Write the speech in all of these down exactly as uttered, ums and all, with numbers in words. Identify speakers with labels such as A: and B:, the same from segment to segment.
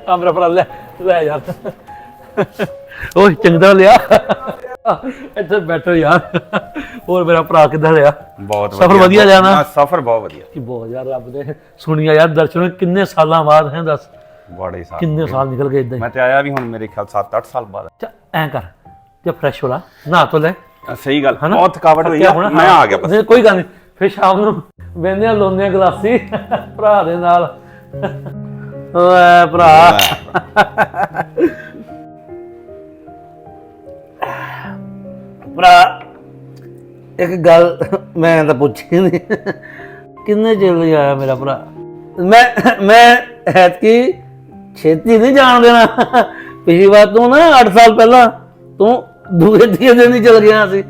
A: ਆ ਮੇਰਾ ਭਰਾ ਲੈ ਲੈ ਯਾਰ ਓਏ ਚੰਗਾ ਲਿਆ ਇੱਥੇ ਬੈਠੋ ਯਾਰ ਹੋਰ ਮੇਰਾ ਭਰਾ ਕਿੱਦਾਂ ਰਿਹਾ
B: ਬਹੁਤ
A: ਸਫ਼ਰ ਵਧੀਆ ਰਿਹਾ ਨਾ
B: ਸਫ਼ਰ ਬਹੁਤ ਵਧੀਆ
A: ਕੀ ਬਹੁਤ ਯਾਰ ਰੱਬ ਦੇ ਸੁਣੀਆ ਯਾਰ ਦਰਸ਼ਨ ਕਿੰਨੇ ਸਾਲਾਂ ਬਾਅਦ ਹੈ ਦੱਸ
B: ਬੜੇ ਸਾਲ
A: ਕਿੰਨੇ ਸਾਲ ਨਿਕਲ ਗਏ ਇਦਾਂ
B: ਮੈਂ ਤੇ ਆਇਆ ਵੀ ਹੁਣ ਮੇਰੇ ਖਿਆਲ ਸੱਤ ਅੱਠ ਸਾਲ ਬਾਅਦ
A: ਐਂ ਕਰ ਜੇ ਫਰੈਸ਼ ਹੋ ਲਾ ਨਹਾ ਤੋ ਲੈ
B: ਸਹੀ ਗੱਲ ਬਹੁਤ ਥਕਾਵਟ ਹੋਈ ਆ ਮੈਂ ਆ ਗਿਆ ਬਸ
A: ਕੋਈ ਗੱਲ ਨਹੀਂ ਫਿਰ ਸ਼ਾਮ ਨੂੰ ਬਹਿੰਦੇ ਆ ਲਾਉਂਦੇ ਆ ਗਲਾਸੀ ਭਰਾ ਦੇ ਨਾਲ ਓਏ ਭਰਾ ਭਰਾ ਇੱਕ ਗੱਲ ਮੈਂ ਤਾਂ ਪੁੱਛੀ ਨਹੀਂ ਕਿੰਨੇ ਚਿਰ ਲਈ ਆਇਆ ਮੇਰਾ ਭਰਾ ਮੈਂ ਮੈਂ ਐਤਕੀ ਛੇਤੀ ਨਹੀਂ ਜਾਣ ਦੇਣਾ ਪਿਛਲੀ ਵਾਰ ਤੂੰ ਨਾ ਅੱਠ ਸਾਲ ਪਹਿਲਾਂ ਤੂੰ ਦੂਏ ਤੀਏ ਦਿਨ ਹੀ ਚਲ ਗਿਆ ਸੀ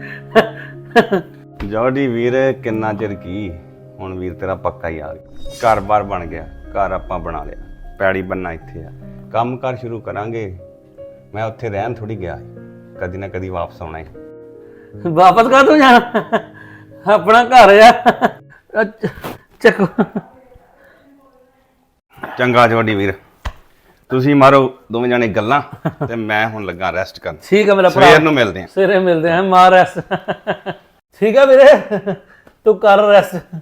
B: ਜੋੜੀ ਵੀਰ ਕਿੰਨਾ ਚਿਰ ਕੀ ਹੁਣ ਵੀਰ ਤੇਰਾ ਪੱਕਾ ਹੀ ਆ ਗਿਆ ਘਰ-ਬਾਰ ਬਣ ਗਿਆ ਘਰ ਆਪਾਂ ਬਣਾ ਲਿਆ ਪੈੜੀ ਬੰਨਾ ਇੱਥੇ ਆ ਕੰਮ ਕਾਰ ਸ਼ੁਰੂ ਕਰਾਂਗੇ ਮੈਂ ਉੱਥੇ ਰਹਿਣ ਥੋੜੀ ਗਿਆ ਕਦੀ ਨਾ ਕਦੀ ਵਾਪਸ ਆਉਣਾ ਹੈ
A: ਵਾਪਸ ਕਾ ਤੂੰ ਜਾਣਾ ਆਪਣਾ ਘਰ ਆ ਚੱਕੋ
B: ਚੰਗਾ ਜੋੜੀ ਵੀਰ ਤੁਸੀਂ ਮਾਰੋ ਦੋਵੇਂ ਜਾਣੇ ਗੱਲਾਂ ਤੇ ਮੈਂ ਹੁਣ ਲੱਗਾ ਰੈਸਟ ਕਰਨ
A: ਠੀਕ ਹੈ ਮੇਰਾ ਭਰਾ
B: ਸਵੇਰ ਨੂੰ ਮਿਲਦੇ ਆ
A: ਸਵੇਰੇ ਮਿਲਦੇ ਆ ਮਾਰ ਰੈਸਟ ਠੀਕ ਹੈ ਵੀਰੇ ਤੂੰ ਕਰ ਰੈਸਟ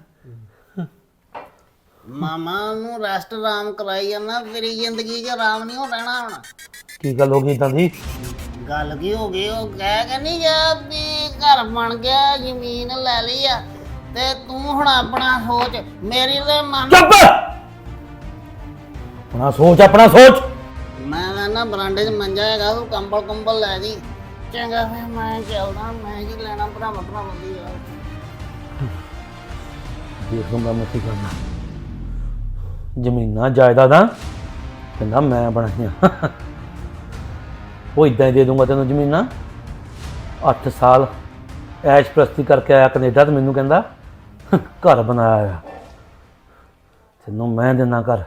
C: ਮਾਮਾ ਨੂੰ ਰੈਸਟ ਆਰਾਮ ਕਰਾਈ ਜਾਂਦਾ ਤੇਰੀ ਜ਼ਿੰਦਗੀ 'ਚ ਆਰਾਮ ਨਹੀਂ ਹੋ ਰਹਿਣਾ ਹੁਣ
A: ਕੀ ਗੱਲ ਹੋ ਗਈ ਇਦਾਂ ਦੀ
C: ਗੱਲ ਕੀ ਹੋ ਗਈ ਉਹ ਕਹਿ ਕੇ ਨਹੀਂ ਗਿਆ ਵੀ ਘਰ ਬਣ ਗਿਆ ਜ਼ਮੀਨ ਲੈ ਲਈ ਆ ਤੇ ਤੂੰ ਹੁਣ ਆਪਣਾ ਸੋਚ ਮੇਰੀ ਤੇ ਮਨ
A: ਚੁੱਪ ਆਪਣਾ ਸੋਚ ਆਪਣਾ ਸੋਚ
C: ਮੈਂ ਨਾ ਬਰਾਂਡੇ 'ਚ ਮੰਜਾ ਹੈਗਾ ਤੂੰ ਕੰਬਲ ਕੰਬਲ ਲੈ ਜੀ ਚੰਗਾ ਫਿਰ ਮੈਂ ਚੱਲਦਾ ਮੈਂ ਕੀ ਲੈਣਾ ਭਰਾ ਭਰਾ ਬੰਦੀ ਯਾਰ
A: ਦੇਖੋ ਮੈਂ ਕੀ ਕਰਨਾ ਜ਼ਮੀਨਾਂ ਜਾਇਦਾਦਾਂ ਕਹਿੰਦਾ ਮੈਂ ਬਣਾਈਆਂ ਉਹ ਇਦਾਂ ਹੀ ਦੇ ਦੂੰਗਾ ਤੈਨੂੰ ਜ਼ਮੀਨਾਂ ਅੱਠ ਸਾਲ ਐਸ਼ ਪ੍ਰਸਤੀ ਕਰਕੇ ਆਇਆ ਕੈਨੇਡਾ ਤੇ ਮੈਨੂੰ ਕਹਿੰਦਾ ਘਰ ਬਣਾਇਆ ਆ ਤੈਨੂੰ ਮੈਂ ਦੇਣਾ ਘਰ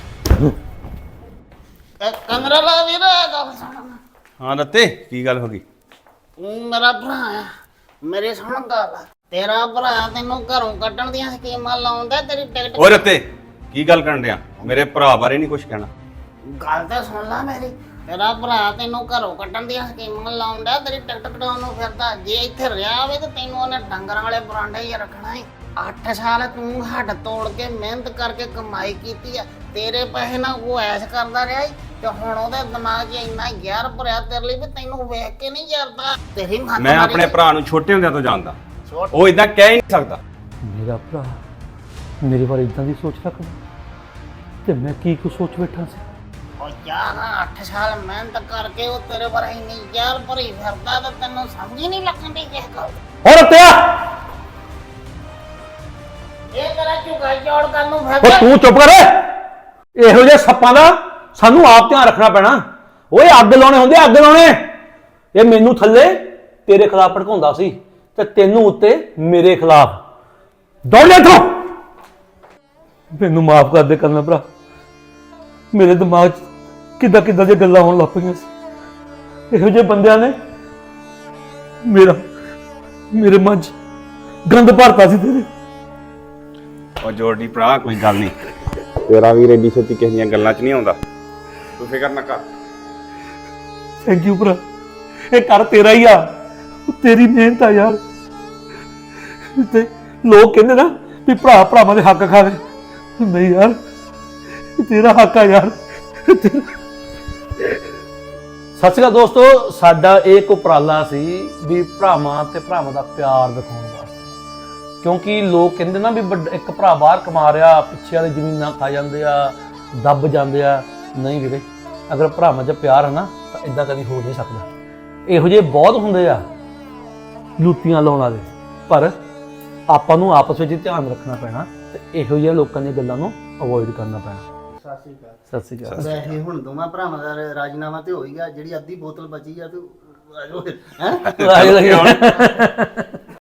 C: ਕਮਰਾ ਲਾ ਵੀਰ ਗੱਲ ਸੁਣ
B: ਹਾਂ ਰੱਤੇ ਕੀ ਗੱਲ ਹੋ ਗਈ
C: ਤੂੰ ਮੇਰਾ ਭਰਾ ਆ ਮੇਰੇ ਸੁਣ ਗੱਲ ਤੇਰਾ ਭਰਾ ਤੈਨੂੰ ਘਰੋਂ ਕੱਢਣ ਦੀਆਂ ਸਕੀਮਾਂ ਲਾਉਂਦਾ ਤੇਰੀ ਟਿਕਟ
B: ਓਏ ਰੱਤੇ ਕੀ ਗੱਲ ਕਰਨ ਡਿਆ ਮੇਰੇ ਭਰਾ ਬਾਰੇ ਨਹੀਂ ਕੁਝ ਕਹਿਣਾ
C: ਗੱਲ ਤਾਂ ਸੁਣ ਲੈ ਮੇਰੀ ਤੇਰਾ ਭਰਾ ਤੈਨੂੰ ਘਰੋਂ ਕੱਢਣ ਦੀਆਂ ਸਕੀਮਾਂ ਲਾਉਂਦਾ ਤੇਰੀ ਟਿਕਟ ਕਟਾਉਣ ਨੂੰ ਫਿਰਦਾ ਜੇ ਇੱਥੇ ਰਿਹਾ ਹੋਵੇ ਤੇ ਤੈਨੂੰ ਉਹਨੇ ਡੰਗਰਾਂ ਵਾਲੇ ਬਰਾਂਡੇ ਹੀ ਰੱਖਣਾ ਹੈ ਅੱਠ ਸਾਲ ਤੂੰ ਹੱਡ ਤੋੜ ਕੇ ਮਿਹਨਤ ਕਰਕੇ ਕਮਾਈ ਕੀਤੀ ਆ ਤੇਰੇ ਪੈਸੇ ਨਾਲ ਉਹ ਐਸ਼ ਕਰਦਾ ਰਿਹਾ ਤੇ ਹੁਣ ਉਹਦੇ ਦਿਮਾਗ 'ਚ ਇੰਨਾ ਯਾਰ ਭਰਿਆ ਤੇਰੇ ਲਈ ਵੀ ਤੈਨੂੰ ਵੇਖ ਕੇ ਨਹੀਂ ਯਾਰਦਾ ਤੇਰੀ ਮੱਤ
B: ਮੈਂ ਆਪਣੇ ਭਰਾ ਨੂੰ ਛੋਟੇ ਹੁੰਦਿਆਂ ਤੋਂ ਜਾਣਦਾ ਉਹ ਇਦਾਂ ਕਹਿ ਹੀ ਨਹੀਂ ਸਕਦਾ
A: ਮੇਰਾ ਭਰਾ ਮੇਰੇ ਬਾਰੇ ਇਦਾਂ ਦੀ ਸੋਚ ਰੱਖਦਾ ਤੇ ਮੈਂ ਕੀ ਕੁ ਸੋਚ ਬੈਠਾ ਸੀ
C: ਉਹ ਯਾਰ ਅੱਠ ਸਾਲ ਮਿਹਨਤ ਕਰਕੇ ਉਹ ਤੇਰੇ ਪਰ ਇੰਨੀ ਯਾਰ ਭਰੀ ਫਿਰਦਾ ਤੇ ਤੈਨੂੰ ਸਮਝ ਹੀ ਨਹੀਂ ਲੱਗਦੀ ਕਿਸ ਗੱਲ
A: ਹੋਰ ਪਿਆ
C: ਇਹ ਤੇਰਾ ਝੁਕਾ ਜੋੜ ਕਰਨ ਨੂੰ
A: ਉਹ
C: ਫਿਰਦਾ
A: ਤੂੰ ਚੁੱਪ ਕਰ ਇਹੋ ਜਿਹੇ ਸੱਪਾਂ ਦਾ ਸਾਨੂੰ ਆਪ ਧਿਆਨ ਰੱਖਣਾ ਪੈਣਾ ਓਏ ਅੱਗ ਲਾਉਣੇ ਹੁੰਦੇ ਅੱਗ ਲਾਉਣੇ ਇਹ ਮੈਨੂੰ ਥੱਲੇ ਤੇਰੇ ਖਿਲਾਫ ਭੜਕਾਉਂਦਾ ਸੀ ਤੇ ਤੈਨੂੰ ਉੱਤੇ ਮੇਰੇ ਖਿਲਾਫ ਦੌੜ ਜਾ ਇੱਥੋਂ ਮੈਨੂੰ ਮਾਫ ਕਰ ਦੇ ਕਰਨਾ ਭਰਾ ਮੇਰੇ ਦਿਮਾਗ 'ਚ ਕਿੱਦਾਂ ਕਿੱਦਾਂ ਦੀਆਂ ਗੱਲਾਂ ਹੋਣ ਲੱਗ ਪਈਆਂ ਸੀ ਇਹੋ ਜਿਹੇ ਬੰਦਿਆਂ ਨੇ ਮੇਰਾ ਮੇਰੇ ਮਨ 'ਚ ਗੰਦ ਭਰਤਾ ਸੀ ਤੇਰੇ
B: ਉਹ ਜੋੜੀ ਭਰਾ ਕੋਈ ਗੱਲ ਨਹੀਂ ਤੇਰਾ ਵੀਰ ਏਡੀ ਛੇਤੀ ਕਿਸੇ ਦੀਆਂ ਗੱਲਾਂ 'ਚ ਨਹੀਂ ਆਉਂਦਾ ਤੂੰ ਫਿਕਰ ਨਾ ਕਰ
A: ਥੈਂਕ ਯੂ ਭਰਾ ਇਹ ਕਰ ਤੇਰਾ ਹੀ ਆ ਤੇਰੀ ਮਿਹਨਤ ਆ ਯਾਰ ਤੇ ਲੋਕ ਕਹਿੰਦੇ ਨਾ ਵੀ ਭਰਾ ਭਰਾਵਾਂ ਦੇ ਹੱਕ ਖਾਵੇ ਨਹੀਂ ਯਾਰ ਤੇਰਾ ਹੱਕ ਆ ਯਾਰ ਸਤਿ ਸ਼੍ਰੀ ਅਕਾਲ ਦੋਸਤੋ ਸਾਡਾ ਇਹ ਉਪਰਾਲਾ ਸੀ ਵੀ ਭਰਾਵਾਂ ਤੇ ਭਰਾਵਾਂ ਦਾ ਪਿਆਰ ਦਿਖਾਉਣ ਵਾਸਤੇ ਕਿਉਂਕਿ ਲੋਕ ਕਹਿੰਦੇ ਨਾ ਵੀ ਇੱਕ ਭਰਾ ਬਾਹਰ ਕਮਾ ਰਿਹਾ ਪਿੱਛੇ ਵਾਲੀ ਜ਼ਮੀਨਾਂ ਖਾ ਜਾਂਦੇ ਆ ਦੱਬ ਜਾਂਦੇ ਆ ਨਹੀਂ ਵੀਰੇ ਅਗਰ ਭਰਾਵਾਂ 'ਚ ਪਿਆਰ ਹੈ ਨਾ ਤਾਂ ਇਦਾਂ ਕਦੀ ਹੋ ਨਹੀਂ ਸਕਦਾ ਇਹੋ ਜਿਹੇ ਬਹੁਤ ਹੁੰਦੇ ਆ ਲੁੱਟੀਆਂ ਲਾਉਣ ਵਾਲੇ ਪਰ ਆਪਾਂ ਨੂੰ ਆਪਸ ਵਿੱਚ ਧਿਆਨ ਰੱਖਣਾ ਪੈਣਾ ਤੇ ਇਹੋ ਜਿਹੇ ਲੋਕਾਂ ਦੀਆਂ ਗੱਲਾਂ ਨੂੰ ਅਵੋਇਡ ਕਰਨਾ ਪੈਣਾ
C: ਸਤਿ ਸ਼੍ਰੀ ਅਕਾਲ
A: ਸਤਿ ਸ਼੍ਰੀ ਅਕਾਲ
C: ਵੈਸੇ ਹੁਣ ਦੋਵਾਂ ਭਰਾਵਾਂ ਦਾ ਰਾਜੀਨਾਮਾ ਤੇ ਹੋ ਹੀ ਗਿਆ ਜਿਹੜੀ ਅੱਧੀ ਬੋਤਲ ਬਚੀ ਆ ਤੂੰ ਹੈ
A: ਆ